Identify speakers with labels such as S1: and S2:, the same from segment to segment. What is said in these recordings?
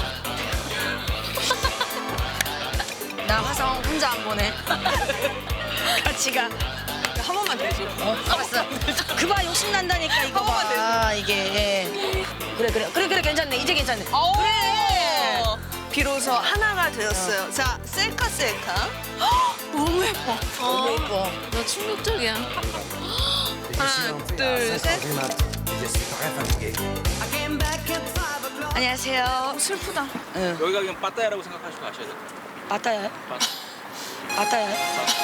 S1: 나 화성 혼자 안 보내. 같이 가.
S2: 한 번만 대줘.
S1: 알았어. 그봐 욕심 난다니까 이거 봐. 아 이게. 그래 괜찮네. 이제 괜찮네. 그래.
S2: 비로소 하나가 되었어요. 자, 셀카. 너무 예뻐.
S1: 너무 예뻐.
S3: 너 충격적이야.
S2: 하나, 둘, 셋.
S1: 안녕하세요.
S2: 슬프다.
S4: 여기가 그냥 빠따야라고 생각하시고 가셔야 돼요.
S1: 맞다요? 맞다요?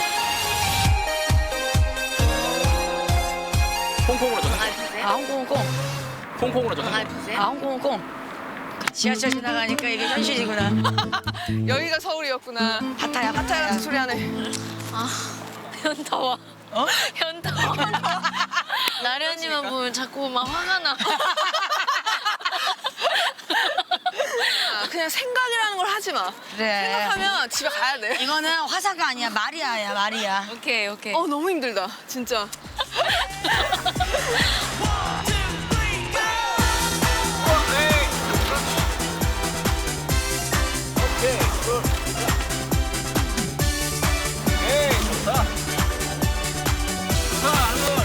S4: 콩콩으로 전화.
S3: 강아지 드세요?
S1: 아 홍콩콩.
S4: 콩콩으로 전화.
S3: 강아지 드세요?
S1: 아 홍콩콩. 지하철 지나가니까 이게 현실이구나.
S2: 여기가 서울이었구나.
S1: 바타야
S2: 하타야 같은 소리 하네.
S3: 아, 현타와.
S1: 어?
S3: 현타와. 나련이만 보면 자꾸 막 화가 나.
S2: 그냥 생각이라는 걸 하지 마.
S1: 그래.
S2: 생각하면 집에 가야 돼.
S1: 이거는 화사가 아니야 마리아야 마리아.
S3: 오케이.
S2: 너무 힘들다. 진짜.
S4: 오케이, 굿. 에이, 좋다. 좋다, 안원.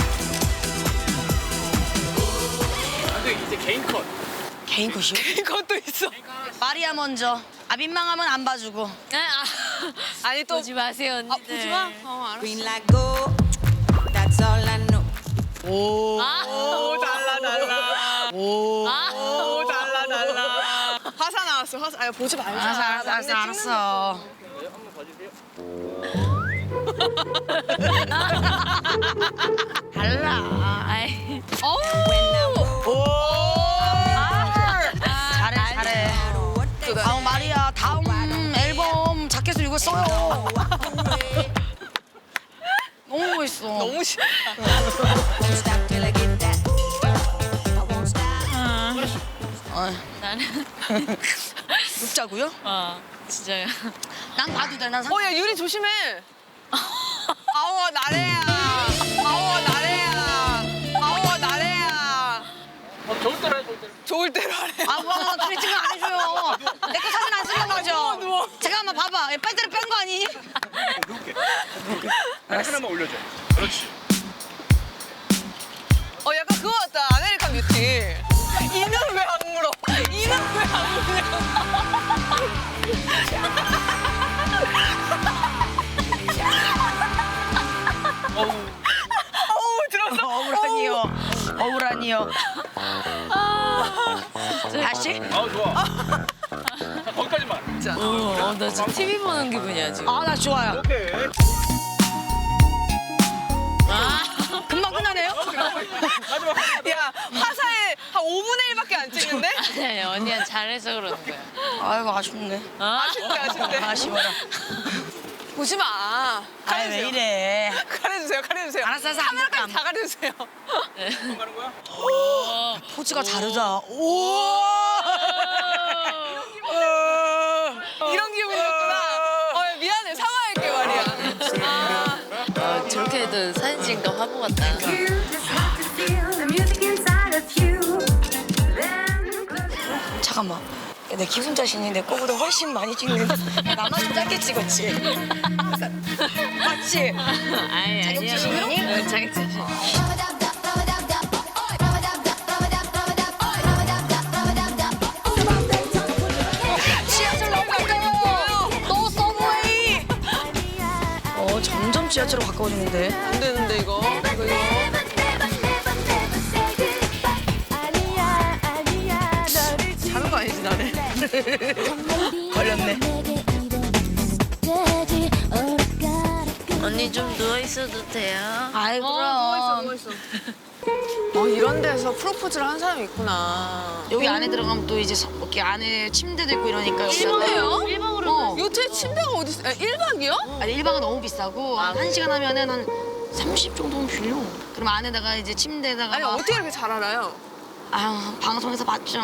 S4: 근데 이제 개인 컷.
S1: 개인 컷이요?
S2: 이것도 있어.
S1: 마리아 먼저. 아 민망하면 안 봐주고.
S3: 네,
S2: 아니 또
S3: 보지 마세요, 언니들.
S2: 보지 마. 알았어.
S5: Green light go. That's all I know.
S1: 오.
S2: 오 달라.
S1: 오.
S2: 오 달라. 화사 나왔어. 화사. 아 보지 말자.
S1: 알았어. 달라.
S3: 아이.
S1: 오. 잘해. 아 마리아 다음 앨범 자켓을 이거 써요. 너무 멋있어.
S2: 너무 싫어.
S5: Won't stop till I get that. I won't stop.
S3: 나는.
S1: 눕자고요?
S3: 진짜요.
S1: 난 봐도 돼. 난 상.
S2: 야 유리 조심해. 아우 나래야. 아우 나래야.
S4: 좋을 때로 해, 좋을 때로.
S2: 좋을 대로 하래.
S1: 아, 와, 트리팅을 안 해줘요. 내 거 사진 안 쓰는 거죠?
S2: 누워.
S1: 제가 한번 봐봐. 배터리 뺀 거 아니니?
S4: 누울게. 하나만 올려줘. 그렇지.
S2: 약간 그거 같다. 아메리칸 뷰티. 이는 왜 안 물어? 어우 들었어.
S1: 거울아니요. 다시?
S4: 아 좋아. 자, 거기까지만.
S3: 나 지금 TV 보는 기분이야 지금.
S1: 아, 나 좋아요.
S4: 오케이.
S1: 금방 끝나네요?
S4: 마지막.
S2: 야 화사에 한 5분의 1밖에 안 찍는데?
S3: 아니 언니가 잘해서 그러는 거야.
S1: 아이고, 아쉽네.
S2: 아쉽대 아쉽대.
S1: 아쉬워라.
S2: 보지 마.
S1: 아이, 왜 이래.
S2: 가려주세요 가려주세요.
S1: 알았어, 알았어. 안 볼게,
S2: 카메라까지
S1: 안
S2: 다 가려주세요.
S4: 형 가는 거야?
S1: 포즈가 다르다. 오!
S2: 이런 기분이었구나. 미안해 사과할게 말이야.
S3: 저렇게 해도 사진 찍으니까 화보 같다.
S5: You just have to feel the music inside of you. Then close your eyes.
S1: 잠깐만. 내 기분 자신이 내 거보다 훨씬 많이 찍는데 나만 좀 짧게 찍었지. 맞지?
S3: 아니
S1: 자격지심이니?
S3: 자격지심.
S1: 지하철 너무 가까워요. 너 서브웨이. 점점 지하철로 가까워지는데.
S2: 안 되는데 이거. 다른 거 아니지 나네.
S1: 걸렸네.
S3: 언니 좀 누워 있어도 돼요?
S1: 아이 그럼.
S2: 이런 데서 프로포즈를 한 사람이 있구나.
S1: 여기 안에 들어가면 또 이제 이렇게 안에 침대도 있고 이러니까.
S2: 침대요?
S1: 1박으로.
S2: 요트에 침대가 어디 있어? 1박이요?
S1: 아니 1박은 너무 비싸고 한 1시간 하면은 한 30 정도는 빌려. 그럼 안에다가 이제 침대에다가
S2: 아니
S1: 막-
S2: 어떻게 이렇게 잘 알아요?
S1: 아 방송에서 봤죠.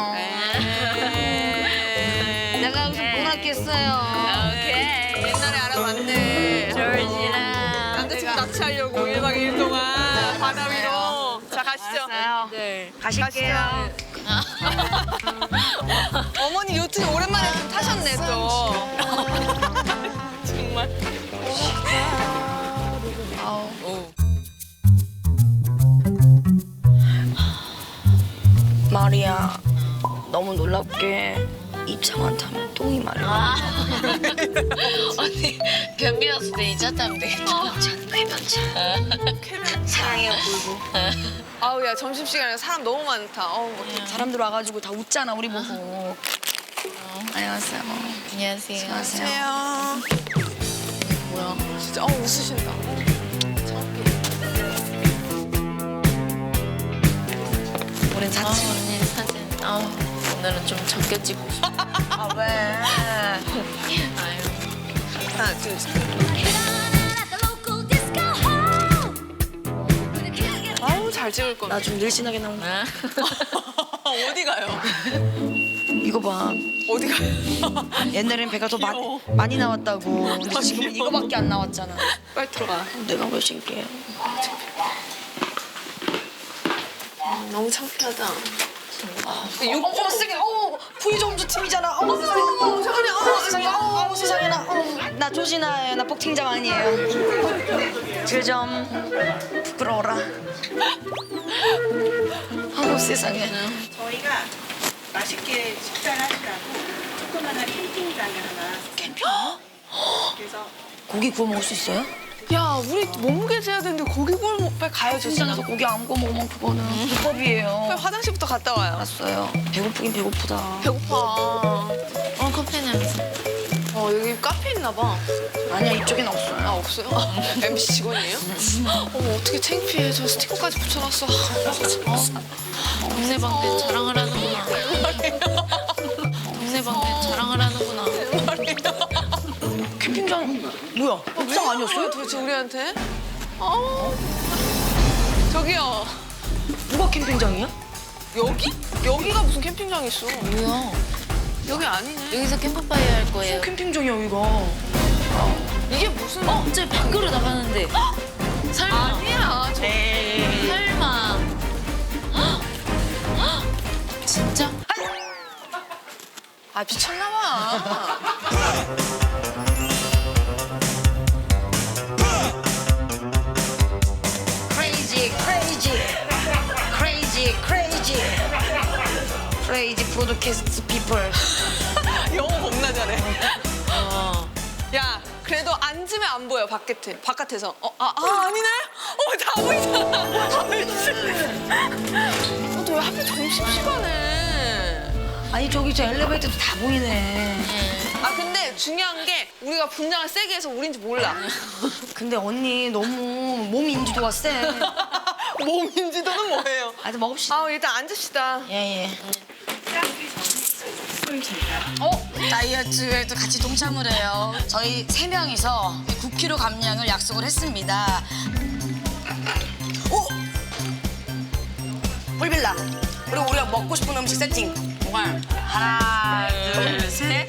S2: 에이.
S1: 내가 여기서 뭘 했겠어요.
S3: 오케이.
S2: 옛날에 알아봤네.
S3: 조지랑
S2: 남자친구 납치하려고 1박 2일 동안 바다 위로. 자 가시죠.
S1: 알았어요.
S3: 네.
S1: 가실게요.
S2: 어머니 요트 오랜만에 좀 타셨네 또. 정말.
S1: 마리아 너무 놀랍게 입장만 타면 똥이 말라.
S3: 언니 변비 왔을 때 이자 타면 되겠다.
S1: 쾌변차. 사랑해요 불고.
S2: 아우 야 점심시간에 사람 너무 많다. 어떡해.
S1: 사람들 와가지고 다 웃잖아 우리 보고. 안녕하세요.
S3: 안녕하세요.
S1: 안녕하세요.
S2: 뭐야 진짜 웃으신다.
S1: 우린 사치.
S3: 언니 사진. 오늘은 좀 적게 찍고 싶어.
S1: 아 왜?
S3: 아유.
S2: 하나 둘 셋. 아우 잘 찍을 거네.
S1: 나 좀 늘씬하게 나온다.
S2: 어디 가요?
S1: 이거 봐.
S2: 어디 가요?
S1: 옛날엔 배가 더 많이 나왔다고. 근데 지금은 이거밖에 안 나왔잖아.
S2: 빨리 들어가.
S1: 내가 왜 신기해?
S2: 너무 창피하다.
S1: 어머 세상에. 부의 점주 팀이잖아. 어머 세상에. 어머 세상에. 어머 세상에. 어머 세상에. 나 조진아예요. 나 복팀장 아니에요. 그 점 부끄러워라. 어머 세상에.
S6: 저희가 맛있게 식사를 하시라고 조그만한 캠핑장을 하나 캠핑? 그래서
S1: 고기 구워 먹을 수 있어요?
S2: 야 우리 몸무게 재야 되는데 고기 구워 빨리 가야죠.
S1: 현장에서 고기 안 구워 먹으면 그거는 불법이에요.
S2: 빨리 화장실부터 갔다 와요.
S1: 알았어요. 배고프긴 배고프다.
S2: 배고파.
S3: 커피 냄새.
S2: 여기 카페 있나 봐.
S1: 아니야 이쪽엔 없어요.
S2: 아 없어요? MC 직원이에요? 어머 어떻게 창피해. 저 스티커까지 붙여놨어.
S3: 동네 방네 자랑을 하는구나. 동네 방네 자랑을 하는구나.
S1: 캠핑장 뭐야? 옥상 아니었어요?
S2: 도대체 우리한테? 저기요.
S1: 누가 캠핑장이야?
S2: 여기? 여기가 무슨 캠핑장이 있어?
S3: 뭐야?
S2: 여기 아니네.
S3: 여기서 캠프파이어 할 거예요.
S1: 캠핑장이야 여기가.
S2: 이게 무슨?
S3: 저 밖으로 나가는데. 설마.
S2: 아니야.
S3: 설마. 진짜?
S2: 아 미쳤나 봐.
S1: Crazy, crazy, crazy, crazy, crazy podcast people.
S2: 영어 겁나 잘해. 야, 그래도 앉으면 안 보여 바깥에서. 아니네? 다 보이잖아. 습식하네.
S1: 아니 저기 저 엘리베이터도 다 보이네.
S2: 아 근데 중요한 게 우리가 분장을 세게 해서 우린지 몰라.
S1: 근데 언니 너무 몸 인지도가 세.
S2: 몸 인지도는 뭐예요?
S1: 아, 먹읍시다.
S2: 아 일단 앉읍시다.
S1: 예예.
S6: 보여줍니다.
S1: 다이어트에도 같이 동참을 해요. 저희 3명이서 9kg 감량을 약속을 했습니다. 오! 뿔빌라. 그리고 우리가 먹고 싶은 음식 세팅. 정말 하나, 둘, 셋.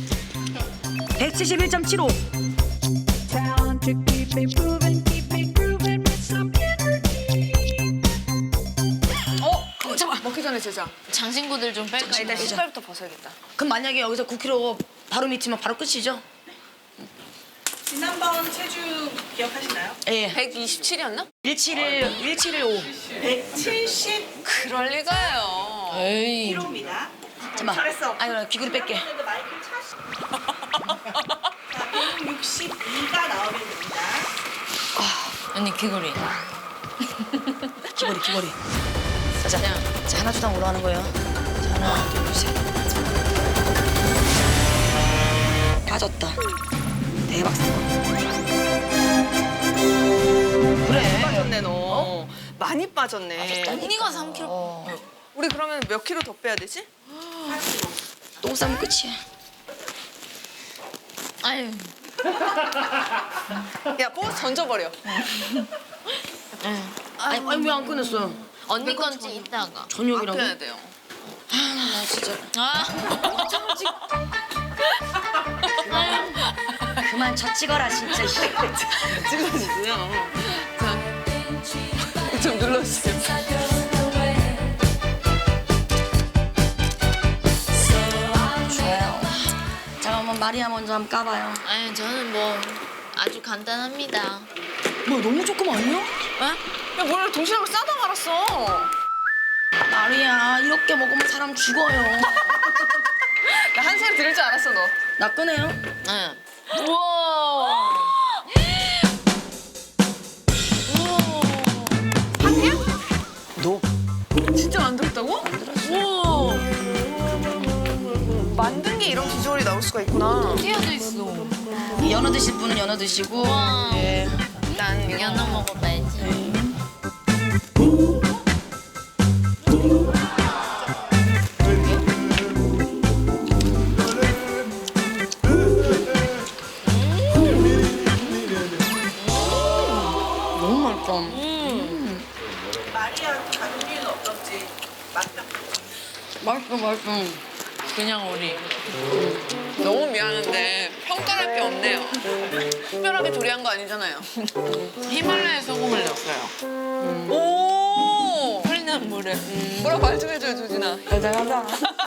S1: 171.75.
S5: Talent to keep me moving, keep me grooving with some energy.
S1: 잠깐.
S2: 먹기 전에 제자.
S3: 장신구들 좀 뺄까?
S2: 일단 신발부터 벗어야겠다.
S1: 그럼 만약에 여기서 9kg 바로 밑이면 바로 끝이죠?
S6: 지난번 체중 기억하시나요?
S1: 예.
S2: 127이었나?
S1: 171,
S6: 170kg입니다.
S2: 그럴 리가요.
S3: 에이.
S1: 잠깐만.
S6: 잘했어.
S1: 아니, 귀걸이 뺄게.
S6: 그래도 마이크를 자, 162가 나오면 됩니다.
S3: 언니 귀걸이.
S1: 귀걸이. 자, 하나 주당 올라가는 거예요. 자, 하나, 둘, 셋. 빠졌다. 대박 사건. 그래.
S2: 빠졌네 너. 많이 빠졌네.
S3: 언니가 3kg.
S2: 우리 그러면 몇 킬로 더 빼야 되지?
S1: 똥 싸면 끝이야.
S3: 아유.
S2: 야 버스 던져버려.
S1: 아니 왜 안 끊었어요?
S3: 언니 건지 이따가.
S1: 저녁이라고?
S2: 앞에야 돼요.
S1: 나 진짜.
S3: 아.
S1: 그만 저 찍어라 진짜.
S2: 찍어주세요. 자, 좀 눌러주세요.
S1: 좋아요. 잠깐만 마리아 먼저 한번 까봐요.
S3: 아니 저는 뭐 아주 간단합니다.
S1: 뭐 너무 조금 아니야?
S2: 야 뭐야 도시락을 싸다 말았어.
S1: 마리아 이렇게 먹으면 사람 죽어요.
S2: 나 한 소리 들을 줄 알았어 너.
S1: 나 꺼내요?
S3: 응. 우와.
S1: 노.
S2: 진짜 만들었다고? 우와. 만든 게 이런 비주얼이 나올 수가 있구나.
S3: 띄어져 있어.
S1: 연어 드실 분은 연어 드시고.
S3: 와.
S1: 예.
S2: 난
S3: 연어 먹어봐야지.
S1: 너무 맛있다.
S6: 마리아한테 가족리는 어떤지 맞다.
S1: 맛있어.
S3: 그냥 우리.
S2: 너무 미안한데 평가할 게 없네요. 특별하게 조리한 거 아니잖아요.
S3: 히말라야 소금을 넣었어요.
S2: 오.
S3: 흐르는 물에.
S2: 뭐라 말 좀 해줘요 조진아.
S1: 달달하다.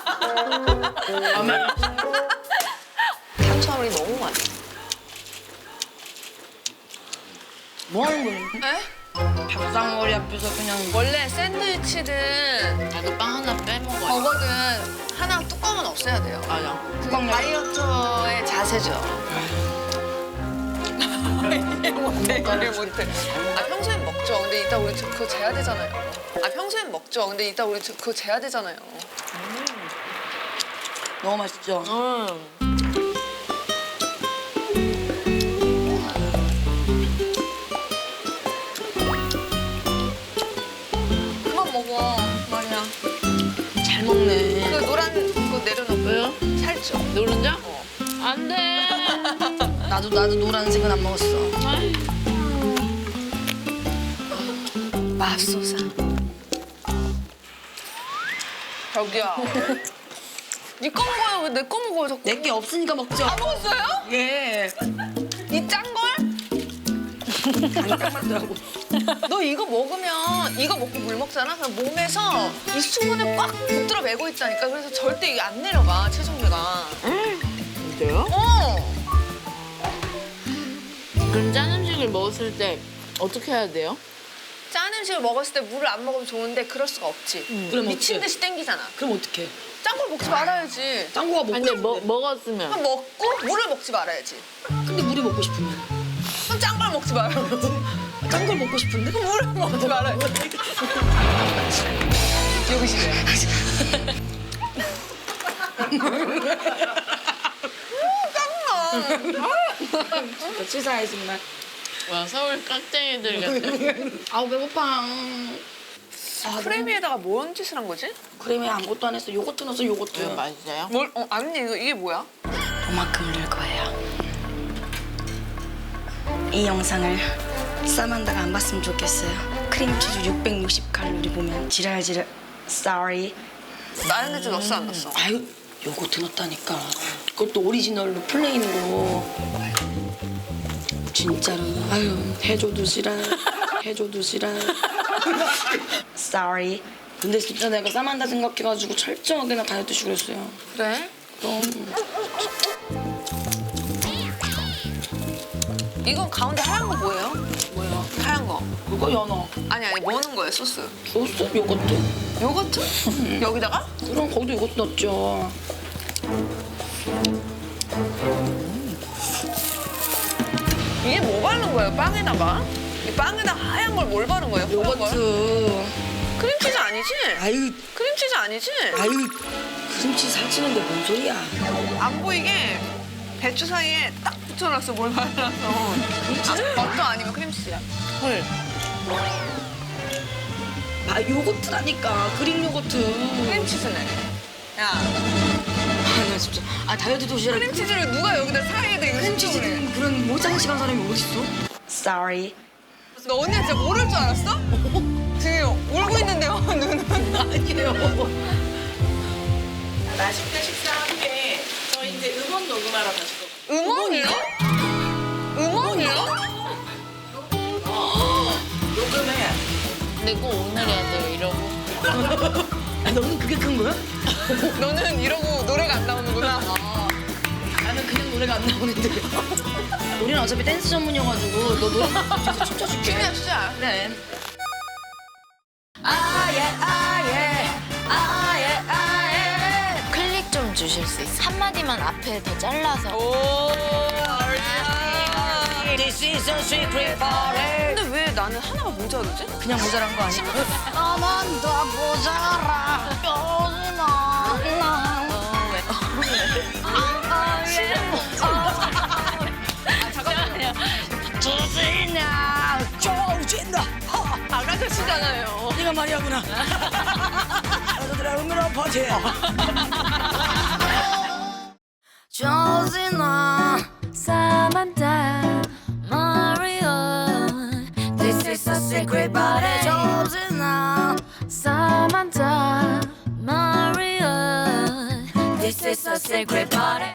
S2: 탄수화물이 너무 많아.
S1: 뭐 하는 거예요?
S2: 에?
S1: 밥상머리 앞에서 그냥.
S2: 원래 샌드위치는
S3: 나도 빵 하나 빼먹어요.
S2: 버거든 하나 뚜껑은 없애야 돼요.
S3: 맞아.
S2: 그건 다이어터의 자세죠. 이해 못해. 아 평소엔 먹죠. 근데 이따 우리 그거 재야 되잖아요. 아 평소엔 먹죠. 근데 이따 우리 그거 재야 되잖아요.
S1: 너무 맛있죠?
S2: 그만 먹어, 마리아.
S1: 잘 먹네.
S2: 그 노란 그거 내려놓고.
S3: 왜요?
S2: 살쪄.
S3: 노른자? 안 돼.
S1: 나도 노란색은 안 먹었어.
S2: 맙소사. 저기요. 니 거 먹어요. 왜 내 거 먹어요, 자꾸.
S1: 내게 없으니까 먹죠.
S2: 다 먹었어요?
S1: 예.
S2: 이 짠 걸?
S1: 딱 맞더라고.
S2: 너 이거 먹으면 이거 먹고 물 먹잖아? 그럼 몸에서 이 수분을 꽉 붙들어 매고 있다니까. 그래서 절대 이게 안 내려가, 체중계가.
S3: 진짜요?
S2: 어.
S3: 그럼 짠 음식을 먹었을 때 어떻게 해야 돼요?
S2: 짠 음식을 먹었을 때 물을 안 먹으면 좋은데 그럴 수가 없지.
S1: 그럼
S2: 미친
S1: 어떡해?
S2: 듯이 땡기잖아.
S1: 그럼 어떡해?
S2: 짠 걸 먹지 말아야지.
S1: 짱구가 먹고
S3: 아니
S1: 싶은데.
S3: 먹었으면.
S2: 그럼 먹고 물을 먹지 말아야지.
S1: 근데 물이 먹고 싶으면.
S2: 그럼 짠 걸 먹지 말아야지.
S1: 짠 걸 먹고 싶은데?
S2: 물을 먹지 말아야지. 여기 시대.
S1: 치사해 정말.
S3: 와 서울 깍쟁이들 같아.
S1: 아우 배고파.
S2: 크레미에다가 뭔 짓을 한 거지?
S1: 크림에 아무것도 안 했어. 요거트 넣었어 요거트.
S3: 맞아요?
S2: 뭘? 아니 이게 뭐야?
S1: 요만큼 넣을 거예요. 이 영상을 사만다가 안 봤으면 좋겠어요. 크림치즈 660칼로리 보면 지랄지랄. Sorry.
S2: 마요네즈 넣었어 안 넣었어?
S1: 아유 요거트 넣었다니까. 그것도 오리지널로 플레인으로. 진짜로. 아유 해줘도 지랄. 해줘도 지랄. Sorry. 근데 진짜 내가 사만다 생각해가지고 철저하게 나 다이어트 식으로 했어요.
S2: 그래?
S1: 그럼.
S2: 이거 가운데 하얀 거 뭐예요? 뭐예요? 하얀 거.
S1: 그거 연어.
S2: 아니 뭐 넣는 거예요 소스?
S1: 소스 요거트.
S2: 요거트? 여기다가?
S1: 그럼 거기도 요거트 넣었죠.
S2: 이게 뭐 바른 거예요? 빵에다가? 이 빵에다 하얀 걸 뭘 바른 거예요? 파란 걸?
S1: 요거트.
S2: 크림치즈 아니지?
S1: 아유,
S2: 크림치즈 아니지?
S1: 아유. 크림치즈 살찌는데 뭔 소리야.
S2: 안 보이게 배추 사이에 딱 붙여놨어 뭘 발라서. 버터 아니면 크림치즈야. 헐.
S1: 아, 요거트라니까. 그릭 요거트.
S2: 크림치즈네. 야
S1: 아, 나 진짜. 아, 다이어트 도시락.
S2: 크림치즈를 누가 여기다 사이에다 이거
S1: 크림치즈
S2: 신청을 해?
S1: 그런 모장식한 사람이 어딨어? Sorry.
S2: 너 언니가 진짜 모를 줄 알았어? 지금 울고 있는데요 눈은.
S1: 아니에요.
S6: 맛있게 식사하게 저희 이제 음원 녹음하러 가실 거예요.
S2: 음원이요? 음원이요?
S6: 녹음해야 돼.
S3: 근데 꼭 오늘 해야 돼요 이러고.
S1: 아, 너는 그게 큰 거야?
S2: 너는 이러고 노래가 안 나오는구나.
S1: 나는 그냥 노래가 안 나오는데. 우리는 어차피 댄스 전문이어가지고 너 노래 뒤에서 춤춰줄게.
S2: 춤이야 추자.
S1: 그래. 아예 아예 아예 아예.
S3: 클릭 좀 주실 수 있어요? 한마디만 앞에 더 잘라서.
S2: 오.
S1: This is a secret party.
S2: 근데 왜 나는 하나가 모자르지?
S1: 그냥 모자란 거 아니야?
S3: 나만 더 모자라.
S1: 조진아 조진아
S2: 아가씨잖아요.
S1: 네가 말이야구나. 여자들의 음으로 퍼지. 조진아
S3: Samantha, Mario, this is a secret party.
S1: 조진아
S3: Samantha, Mario, this is a secret party.